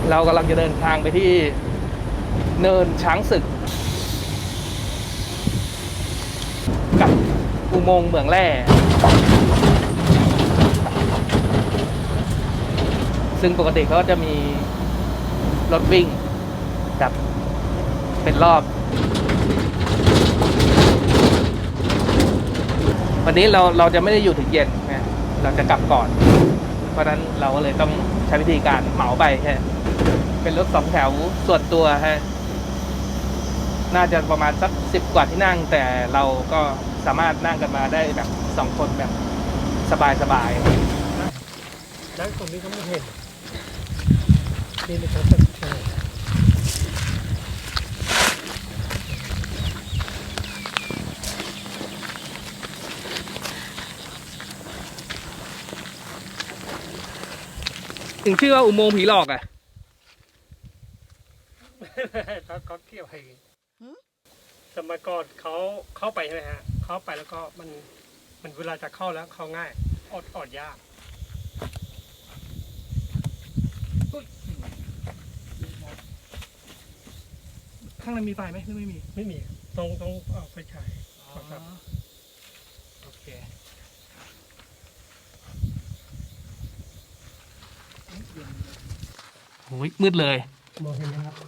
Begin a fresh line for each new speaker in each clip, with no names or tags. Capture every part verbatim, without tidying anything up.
เรากำลังจะเดินทางไปที่เนินช้างศึกกับอุโมงค์เหมืองแร่ซึ่งปกติเขาจะมีรถวิ่งกับเป็นรอบวันนี้เราเราจะไม่ได้อยู่ถึงเย็นนะเราจะกลับก่อนเพราะนั้นเราก็เลยต้องใช้วิธีการเหมาไปแค่เป็นรถสองแถวส่วนตัวฮะน่าจะประมาณสักสิบกว่าที่นั่งแต่เราก็สามารถนั่งกันมาได้แบบสองคนแบบสบายสบาย
แล้วคนนี้เขาไม่เห็นนี่ไม่ครับใช่
ถึงชื่อว่าอุโมงค์ผีหลอกอ่ะ
เขาเขาเที่ยวไปสมัยก่อนเขาเข้าไปใช่ไหมฮะเข้าไปแล้วก็มันมันเวลาจะเข้าแล้วเข้าง่ายอดอดยาก
ข้างในมีไฟไหมหรือไม่มี
ไม่มีต้องต้องเอาไฟฉายครับ
โอเคโอ้ยมืดเลย
มองเห็นไหมครับ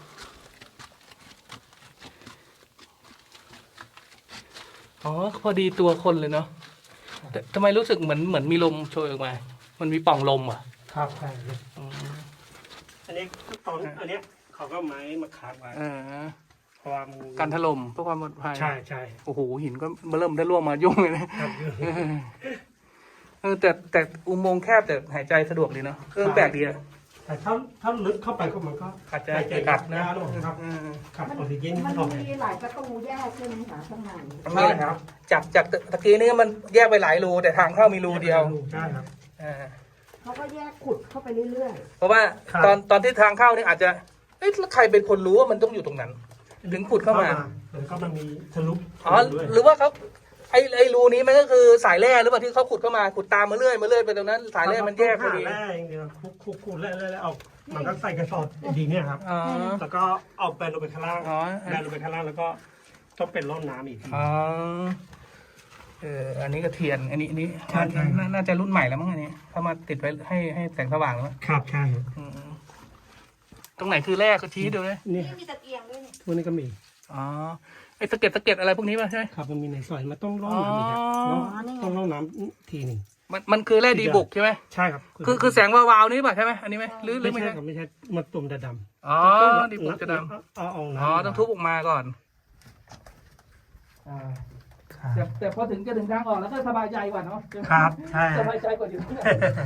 อ๋อพอดีตัวคนเลยเนาะแต่ทำไมรู้สึกเหมือนเหมือนมีลมโชยออกมามันมีปล่องลมอ่ะ
ครับใช่อันนี้ตอนอันนี้เขาก็ไม้มาคาดไว้เพราะว่ามัน
การถล่มเพื่อความปลอดภัย
ใช่ใช่
โอ้โหหินก็มาเริ่มได้ร่วงมายุ่งเลยนะเออแต่แต่อุโมงค์แคบแต่หายใจสะดวกดีเนาะเออแปลกดีอะ
แต่ถ้าถ้าลึกเข้าไปก็มันก็
อาจจะกัด
นะครับครับออกซิเจน
มันมีหลายประตูแยกใช่ไหมคะข้างใน
ใช่ครับ
จากจากตะกี้นี้มันแยกไปหลายรูแต่ทางเข้ามีรูเดียว
ใช่ครับ
เขาก็แยกขุดเข้าไปเรื่อย
ๆเพราะว่าตอนตอนที่ทางเข้านี่อาจจะเอ๊ะใครเป็นคนรู้ว่ามันต้องอยู่ตรงนั้นถึงขุดเข้ามา
แล้วก็มันมีทะลุ
อ๋อหรือว่าเขาไอ้ไอ้รูนี้มันก็คือสายแร่หรือเปล่าที่เขาขุดเข้ามาขุดตามมาเรื่อยมาเรื่อยไปตรงนั้นสายแร่มันแยกพอดี
แร่อย่างเดียวขุดขุดขุดแร่แร่เอามันก็ใส่กระสอบดีเนี่ยครับแล้วก็เอาไปลงไปข้างล่างแร่ลงไปข้างล่างแล้วก็ต้องเป็นร่องน้ำอีก
อ๋อเอออันนี้ก็เทียนอันนี้อันนี้น่าจะรุ่นใหม่แล้วมั้งอันนี้เขามาติดไว้ให้ให้แสงสว่างแล้ว
ครับใช่
ตรงไหนคือแร่ก็ชี้ดูเลย
นี่มีตะเกียงด้วยนี่
พวกนี้ก็มี
อ๋อไอ้สะเก็ดสะเก็ดอะไรพวกนี้ป่ะใช่
ครับมันมีในซอยมันต้องร่องน้ำอีกครับต้องร่องน้ำทีหนึ่ง
มันมันคือแร่ดีบุกใช่ไหม
ใช่ครับ
คือคือแสงวาวๆนี้ป่ะใช่ไหมอันนี้ไหมหรือหรือ
ไม่
ใช่
ครับไม่ใช่มันตุ่มดำ
อ๋อดีบุกจะด
ำเอาเอาน้ำ
อ๋อต้องทุบออกมาก่อนอ่าแต่แต่พอถึงจะถึงทางออกแล้วก็สบายใจกว่าเนาะ
ครับใช่
สบายใจกว่าอยู่ที่ไหน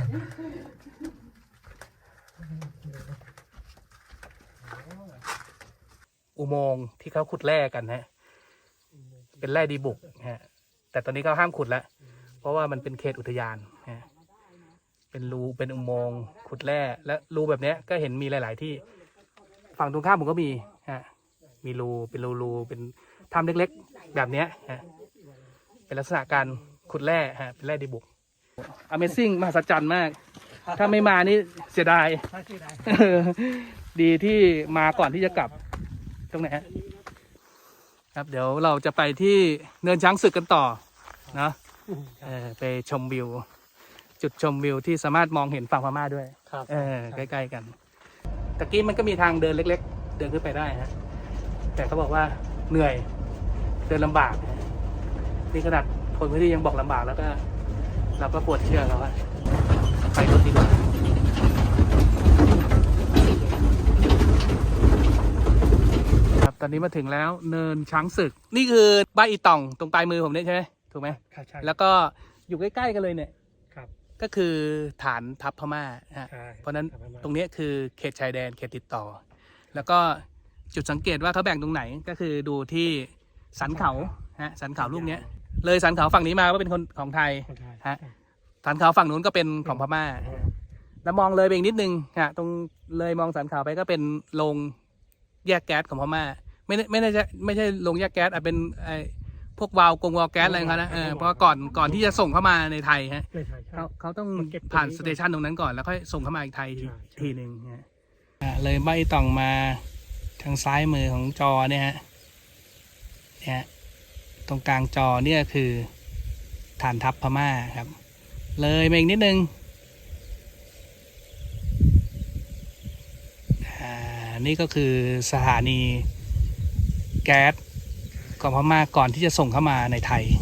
อุโมงค์ที่เขาขุดแร่กันฮะเป็นแร่ดีบุกฮะแต่ตอนนี้เขาห้ามขุดแล้วเพราะว่ามันเป็นเขตอุทยานฮะเป็นรูเป็นอุโมงค์ขุดแร่และรูแบบนี้ก็เห็นมีหลาย ๆ ที่ฝั่งตรงข้ามผมก็มีฮะมีรูเป็นรูรูเป็นถ้ำเล็กๆแบบนี้ฮะเป็นลักษณะการขุดแร่ฮะเป็นแร่ดีบุก Amazing มหัศจรรย์มากถ้าไม่มานี่เสียดายดีที่มาก่อนที่จะกลับตรงไหนครับเดี๋ยวเราจะไปที่เนินช้างศึกกันต่อนะเออไปชมวิวจุดชมวิวที่สามารถมองเห็นฝั่งพม่าด้วยเออใกล้ๆกันตะกี้มันก็มีทางเดินเล็กๆเดินขึ้นไปได้ฮะแต่เขาบอกว่าเหนื่อยเดินลำบากนี่ขนาดคนพื้นที่ยังบอกลำบากแล้วก็เราก็ปวดเชื่อแล้วว่าไปรถดีกว่าตอนนี้มาถึงแล้วเนินช้างศึกนี่คือบ้านอีต่องตรงปลายมือผมเนี่ยใช่ไหมถูกไหม
ครับใช่
แล้วก็อยู่ใกล้ๆกันเลยเนี่ย
ครับ
ก็คือฐานทัพพม่าฮะเพราะนั้นตรงนี้คือเขตชายแดนเขตติดต่อแล้วก็จุดสังเกตว่าเขาแบ่งตรงไหนก็คือดูที่สันเขาฮะสันเขาลูกเนี้ยเลยสันเขาฝั่งนี้มาก็เป็นคนของไทยฮะสันเขาฝั่งนู้นก็เป็นของพม่าแล้วมองเลยไปอีกนิดนึงฮะตรงเลยมองสันเขาไปก็เป็นโรงแยกแก๊สของพม่าไม่ไม่ได้ไม่ใช่โรงแยกแก๊สอาจเป็นไอ้พวกวาล์วกงวาล์วแก๊สอะไรเขานะเออเพราะก่อนก่อนที่จะส่งเข้ามาในไทยฮะเขาเขาต้องผ่านสเตชันตรงนั้นก่อนแล้วค่อยส่งเข้ามาอีกไทยทีทีหนึ่งฮะเลยใบต่องมาทางซ้ายมือของจอเนี่ยฮะเนี่ยตรงกลางจอเนี่ยคือฐานทัพพม่าครับเลยมาอีกนิดนึงอ่านี่ก็คือสถานีแก๊สของพม่าก่อนที่จะส่งเข้ามาในไทย